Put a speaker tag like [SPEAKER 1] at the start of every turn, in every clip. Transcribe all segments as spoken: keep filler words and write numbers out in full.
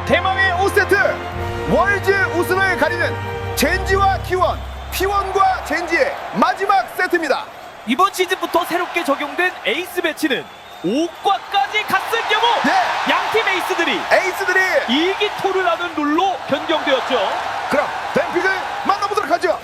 [SPEAKER 1] 대망의 오 세트 월즈 우승을 가리는 젠지와 키원, 키원과 젠지의 마지막 세트입니다.
[SPEAKER 2] 이번 시즌부터 새롭게 적용된 에이스 배치는 오과까지 갔을 경우
[SPEAKER 1] 네.
[SPEAKER 2] 양팀 에이스들이
[SPEAKER 1] 에이스들이
[SPEAKER 2] 일기토를 하는 룰로 변경되었죠.
[SPEAKER 1] 그럼 뱀픽을 만나보도록 하죠.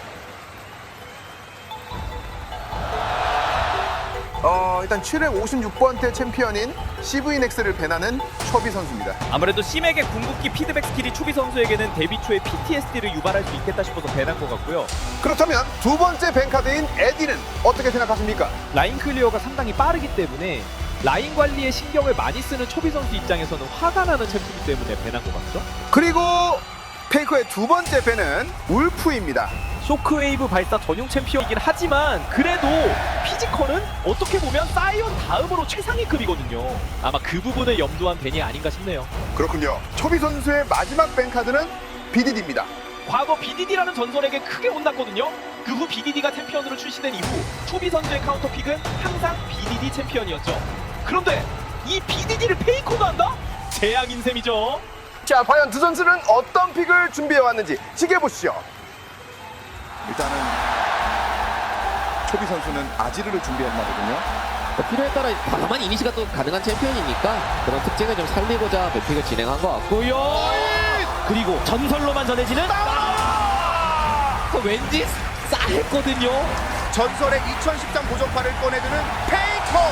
[SPEAKER 1] 어, 일단 칠백오십육 번째 챔피언인 씨브이넥스를 배나는 초비 선수입니다.
[SPEAKER 2] 아무래도 심에게 궁극기 피드백 스킬이 초비 선수에게는 데뷔 초에 피티에스디를 유발할 수 있겠다 싶어서 배난 것 같고요.
[SPEAKER 1] 그렇다면 두 번째 뱅카드인 에디는 어떻게 생각하십니까?
[SPEAKER 2] 라인 클리어가 상당히 빠르기 때문에 라인 관리에 신경을 많이 쓰는 초비 선수 입장에서는 화가 나는 챔프이기 때문에 배난 것 같죠?
[SPEAKER 1] 그리고 페이커의 두 번째 배는 울프입니다.
[SPEAKER 2] 쇼크웨이브 발사 전용 챔피언이긴 하지만 그래도 피지컬은 어떻게 보면 사이온 다음으로 최상위급이거든요. 아마 그 부분을 염두한 벤이 아닌가 싶네요.
[SPEAKER 1] 그렇군요. 초비 선수의 마지막 뱅카드는 비디디입니다.
[SPEAKER 2] 과거 비디디라는 전설에게 크게 혼났거든요. 그 후 비디디가 챔피언으로 출시된 이후 초비 선수의 카운터픽은 항상 비디디 챔피언이었죠. 그런데 이 비디디를 페이커가 한다? 재앙인 셈이죠.
[SPEAKER 1] 자, 과연 두 선수는 어떤 픽을 준비해왔는지 지켜보시죠. 일단은 초비 선수는 아지르를 준비했나 보군요.
[SPEAKER 3] 필요에 따라 다만 이니시가 또 가능한 챔피언이니까 그런 특징을 좀 살리고자 매픽을 진행한 것 같고요.
[SPEAKER 2] 그리고 전설로만 전해지는
[SPEAKER 3] 그 왠지 싸했거든요.
[SPEAKER 1] 전설의 이천십삼 고정파를 꺼내드는 페이커.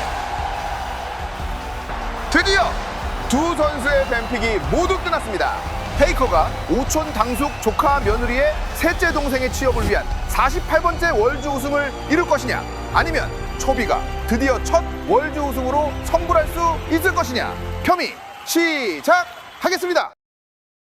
[SPEAKER 1] 드디어 두 선수의 뱀픽이 모두 끝났습니다. 페이커가 오촌 당숙 조카 며느리의 셋째 동생의 취업을 위한 사십팔 번째 월즈 우승을 이룰 것이냐, 아니면 초비가 드디어 첫 월즈 우승으로 성불할 수 있을 것이냐. 평이 시작하겠습니다.